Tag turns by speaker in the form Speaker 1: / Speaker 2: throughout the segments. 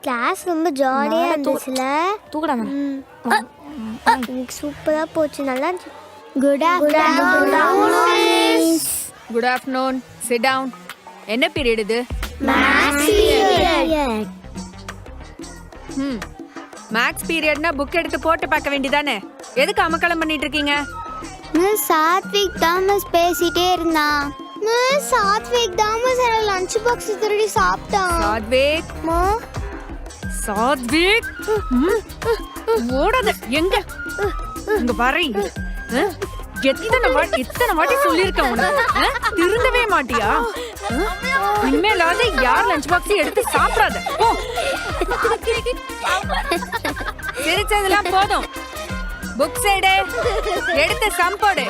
Speaker 1: Class ரொம்ப ஜாலியா இருந்துச்சுல.
Speaker 2: தூக்கடா
Speaker 1: இன்னைக்கு சூப்பரா போச்சு. நல்லா இருந்துச்சு. Good afternoon.
Speaker 3: Good afternoon. Sit down. என்ன பீரியட் இது?
Speaker 1: Maths period.
Speaker 3: மேத்ஸ் பீரியட்னா புக் எடுத்து போட்டு பார்க்க வேண்டியதானே? எதுக்கு அமக்கலம் பண்ணிட்டு இருக்கீங்க?
Speaker 1: மிஸ் சாத்விக் தான் மிஸ் பேசிட்டே இருந்தான். மிஸ் சாத்விக் தான் மிஸ் லஞ்ச் பாக்ஸ் திருடி சாப்பிட்டான்.
Speaker 3: சாத்விக் சாத்விக் ஓடாத. எங்க இங்க வரை எத்தனை வாட்டி சொல்லிருக்கேன் உனக்கு, திருந்தவே மாட்டியா? இனிமேலாவது யார் லஞ்ச் பாக்ஸ் எடுத்து சாப்பிடாத. சிரிச்சதெல்லாம் போதும். புக்ஸ் எடுத்து சம்போடு.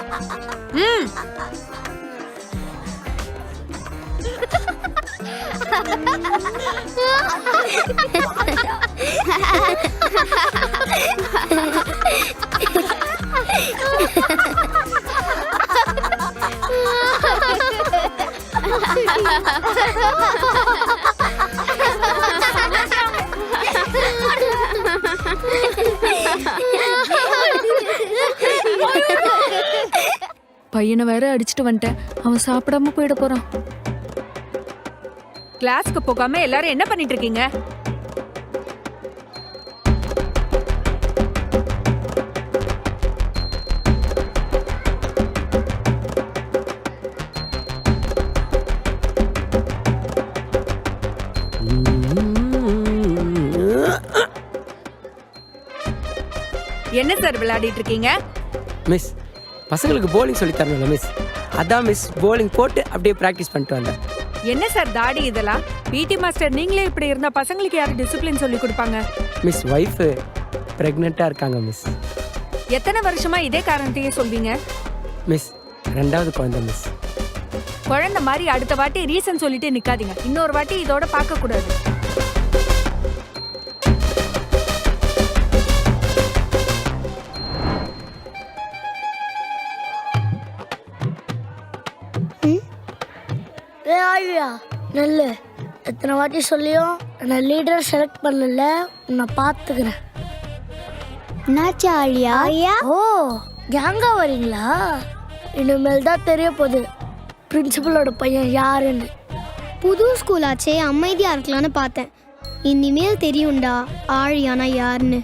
Speaker 3: பையனை வேற அடிச்சுட்டு வந்துட்டேன். அவன் சாப்பிடாம போயிட போறான். கிளாஸ்க்கு போகாம எல்லாரும் என்ன பண்ணிட்டு இருக்கீங்க? என்ன சார் விளையாடிட்டு இருக்கீங்க?
Speaker 4: மிஸ், பசங்களுக்கு போலிங் சொல்லி தரணும்ல மிஸ், அதான் மிஸ் போலிங் போட்டு அப்படியே பிராக்டிஸ் பண்ணிட்டு வந்தேன்.
Speaker 3: என்ன சார் தாடி இதெல்லாம்? பிடி மாஸ்டர் நீங்களே இப்படி இருந்தா பசங்களுக்கு யாரு டிசிப்ளின் சொல்லி கொடுப்பாங்க?
Speaker 4: மிஸ் வைஃப் பிரெக்னெண்டா இருக்காங்க மிஸ்.
Speaker 3: எத்தனை வருஷமா இதே காரணத்தையே சொல்வீங்க?
Speaker 4: மிஸ் 2வது குழந்தை மிஸ்.
Speaker 3: குழந்தை மாதிரி அடுத்த வாட்டி ரீசன் சொல்லிட்டு நிக்காதீங்க. இன்னொரு வாட்டி இதோட பார்க்க கூடாது.
Speaker 5: நல்ல எத்தனை வாட்டி சொல்லியும் நான் லீடர் செலக்ட் பண்ணல. உன்னை பார்த்துக்கிறேன்.
Speaker 1: என்னாச்சு ஆழியா?
Speaker 5: ஓ, கேங்கா வரீங்களா? இனிமேல் தான் தெரிய போகுது பிரின்சிபலோட பையன் யாருன்னு.
Speaker 1: புது ஸ்கூல் ஆச்சே, அமைதியா இருக்கலாம்னு பார்த்தேன். இனிமேல் தெரியும்டா ஆழியானா யாருன்னு.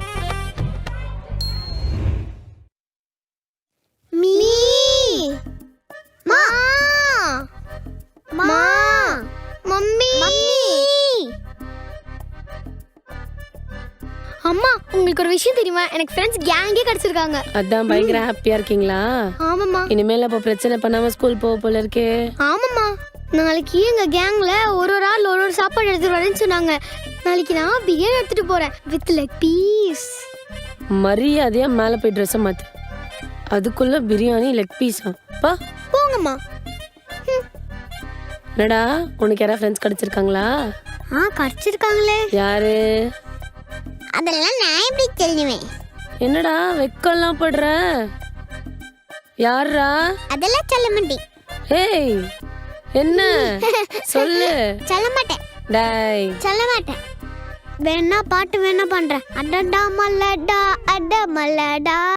Speaker 1: அம்மா, உங்களுக்கு ஒரு விஷயம் தெரியுமா? எனக்கு ஃப்ரெண்ட்ஸ் கேங்கே கிடைச்சிருக்காங்க.
Speaker 6: அதான் பயங்கர ஹாப்பியா இருக்கீங்களா?
Speaker 1: ஆமாம்மா.
Speaker 6: இனிமேல் அப்போ பிரச்சனை பண்ணாம ஸ்கூல் போக போல இருக்கே.
Speaker 1: ஆமாம்மா, நாளைக்கு எங்க கேங்ல ஒரு ஆள் ஒரு சாப்பாடு எடுத்துட்டு வரேன்னு சொன்னாங்க. நாளைக்கு நான் பிரியாணி எடுத்துட்டு போறேன் வித் லெக் பீஸ்.
Speaker 6: மரியாதையா மேல போய் ட்ரெஸ் மாத்து. அதுக்குள்ள பிரியாணி லெக் பீஸா? பா
Speaker 1: போங்கம்மா.
Speaker 6: என்னடா, உனக்கு யாரா ஃப்ரெண்ட்ஸ் கிடைச்சிருக்காங்களா?
Speaker 1: கிடைச்சிருக்காங்களே.
Speaker 6: யாரு?
Speaker 1: அதெல்லாம் நான் எப்படி தெரியுவேன்?
Speaker 6: என்னடா வெக்கம்லாம் படுற? யாரா?
Speaker 1: அதெல்லாம் சொல்ல மாட்டேன்.
Speaker 6: ஏய், என்ன சொல்லு.
Speaker 1: சொல்ல மாட்டேன்.
Speaker 6: டேய்,
Speaker 1: சொல்ல மாட்டேன். வேணா பாட்டு வேணா பண்றேன். அடடா மல்லடா அட மல்லடா.